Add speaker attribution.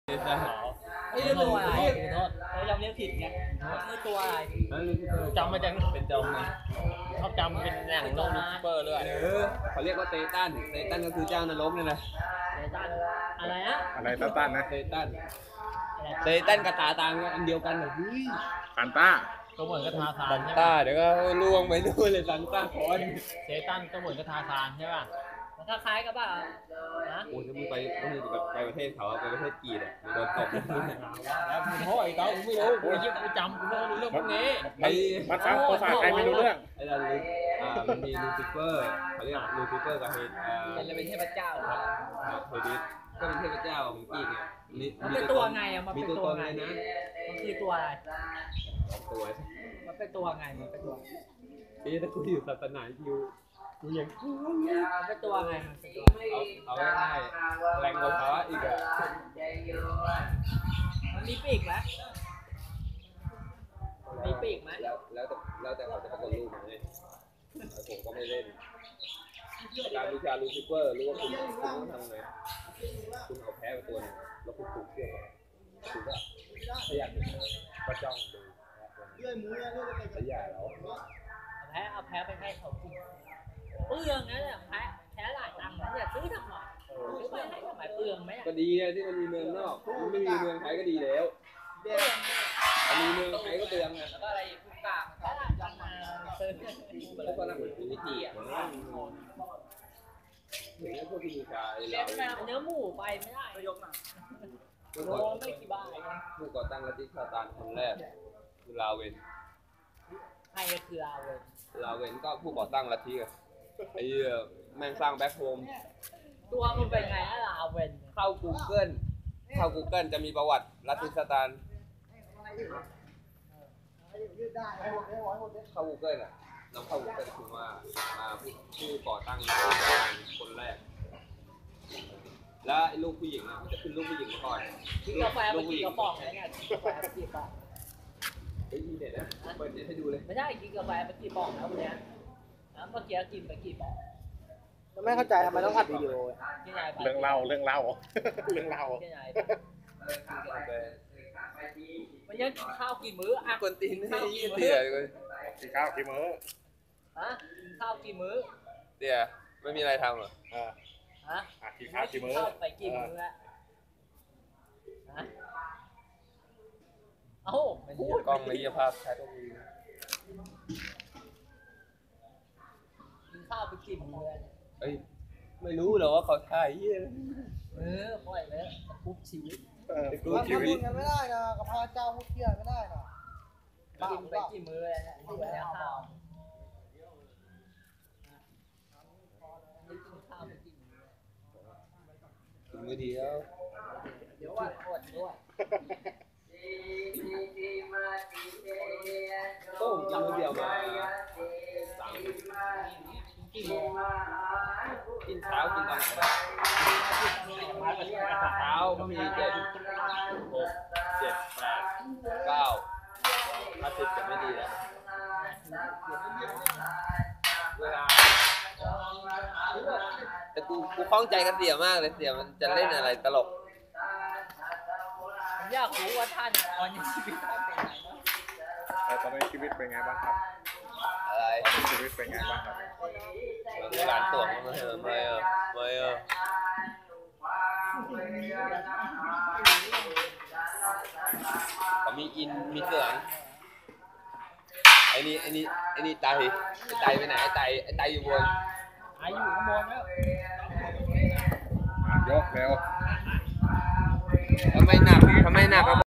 Speaker 1: ไม่รู้ตัวอะไรโทษเรายอมเรียกผิดไงไม่รู้ตัวอะไร
Speaker 2: จำมาจากเป็นจอมไงเขาจำเป็นแหล่งโลลูซิเปอร์เลย
Speaker 3: เขาเรียกว่าเตตันก็คือเจ้านรกนี่แหละ
Speaker 1: เตตันอะไรนะ
Speaker 4: อะไรตาตันนะ
Speaker 3: เตตันกับตาตังอันเดียวกันเลย
Speaker 4: ซันต้า
Speaker 2: ก็เหมือนกับทาซาน
Speaker 3: ซันต้าเดี๋ยวก็ล่วงไปด้วยเลยซันต้าคอน
Speaker 2: เซตันก็เหมือนกับทาซานใช่ป่ะ
Speaker 1: มันคล้ายกับป่ะนะ
Speaker 3: โอ้ยถ้ามึงไปประเทศเขาไปประเทศจีนอ่ะมึงโดนตบ
Speaker 2: แล้วมึงโทษไอ้เต้ากูไม่รู้กูยิ่งกูจำกูไม่รู้เรื่องพวกนี้
Speaker 4: ภาษาใครไม่รู้เรื่อง
Speaker 3: ไอ้เรามันมีลูซิเฟอร์เขาเรียกลูซิเฟอร์กับ
Speaker 1: เป็นเทพเจ้า
Speaker 3: เฮดิสก็เป็นเทพเจ้าของจีนไง
Speaker 1: มันเป็นตัวไงอ่ะมัน
Speaker 3: เป็นตัวไงนะ
Speaker 1: มันคือตัวอะไร
Speaker 3: ตัว
Speaker 1: มันเป็นตัวไงมันเป็นตัว
Speaker 3: ถ้ากูอยู่ศาสนาคิวกูยัง
Speaker 1: มันเป็นตัวไง
Speaker 3: เอาง่ายแรงกว่าเขาอีกอ่ะ
Speaker 1: มันมีปีกไหมมีปีกไหม
Speaker 3: แล้วแต่เขาจะประกอบรูปมาเนี่ยผมก็ไม่เล่นการวิชาลูซิเฟอร์รู้ว่าคุณต้องทำไงคุณเอาแพ้ไปตัวนึงแล้วคุณถูกเชื่อคุณก็พยายามก็จ้องดูพยายามแล้ว
Speaker 1: เอาแพ้ไปให้เขากินเปลืองนะเนี่ยแพ้หลายตังค์นะเนี่ยซื้อทำไมซื้อไปให้ทำไมเปลืองไหม
Speaker 3: ก็ดีที่มันมีเมืองนอกมันไม่มีเมืองไทยก็ดีแล้วมีเมืองไทยก็เปลืองไง
Speaker 1: แล้วก็อะไรทุกกากแพ้หลายตังค์มาซื้อ
Speaker 3: แล้วก็นั่งมีวิธีอ่ะอย่างนี้พวกที่มีชายเรา
Speaker 1: เนื้อหมูไปไม่ได้ยกมาโลไม่กี่บาท
Speaker 3: ผู้ก่อตั้งลัทธิซาตานคนแรกคือลาเวน
Speaker 1: ใครก็คือ
Speaker 3: ลาเวนก็ผู้ก่อตั้งลัทธิไอ้แม่งสร้างแบ็คโฮม
Speaker 1: ตัวมันเป็นไงลาเวน
Speaker 3: เข้า Google จะมีประวัติลัทธิซาตานเข้า Google อ่ะน้องเข้า Google คือว่าผู้ก่อตั้งคนแรกแล้วไอ้ลูกผู้หญิงอ่ะมันจะขึ้นลูกผู้หญิงมาก่อน
Speaker 1: กินกาแฟไปกินกระป๋องอะไรเงี้ยกินกาแฟไปกี่ป๋อง
Speaker 3: ไอ้เด็ดนะเปิดเด็ดให้ดูเลย
Speaker 1: ไม่ใช่กินกาแฟไปกี่ป๋องแล้ววันนี้เมื่อกี้กินไปกี่ป๋อง
Speaker 5: ไม่เข้าใจทำไมต้องอัดวิดีโอ
Speaker 4: เรื่องเล่า
Speaker 1: มันยังกินข้าวกี่มื้ออ่ะ
Speaker 3: คนตีนให้เตี๋ย
Speaker 4: กินข้าวกี่มื้อ
Speaker 1: ฮะกินข้าวกี่มื้อ
Speaker 3: เตี๋ยไม่มีอะไรทำหรอ
Speaker 1: ฮะ
Speaker 4: กินข้าวกี่มื้อ
Speaker 1: ไปกี่มื้อแล้วฮะเอ้
Speaker 3: ากล้องไม่เยี่ยภาพใช้ตัวมือ
Speaker 1: กินข้าวไปกี่มื้อ
Speaker 3: เอ้ยไม่รู้หรอว่าเขาถ่ายเยี่ย
Speaker 1: ปล่อยเลยคุบชีวิต
Speaker 5: คุบชีวิตกันไม่ได้นะกับพระเจ้าพุทธเทียนไม่ได้นะ
Speaker 1: กินไปกี่มื้อเลยเนี่ยที่วันนี้ข้าว
Speaker 3: มือเดียว
Speaker 1: เดี๋ยวว่าอดด้วย
Speaker 3: ก็ผมกินมือเดียวมากินเช้ากินตอนไหนเช้ามี7 6 7 8 9ถ้า10จะไม่ดีแล้วเวลาแต่กูคล้องใจกับเสี่ยมากเลยเสี่ยมันจะเล่นอะไรตลก
Speaker 1: ผมอยากรู้ว่าท่านตอนนี้ชีวิตท่านเป็นไงบ้าง
Speaker 4: ตอนนี้ชีวิตเป็นไงบ้างครับ
Speaker 3: อะไร
Speaker 4: ชีวิตเป็นไงบ้างครับ
Speaker 3: การตรวจไม่เขามีอินมีเสืองไอ้นี่ไตไปไหนไอ้ไตอยู่บน
Speaker 1: อยู่ข้างบนแล้ว
Speaker 4: ยกเร็ว
Speaker 3: ทำไมหนัก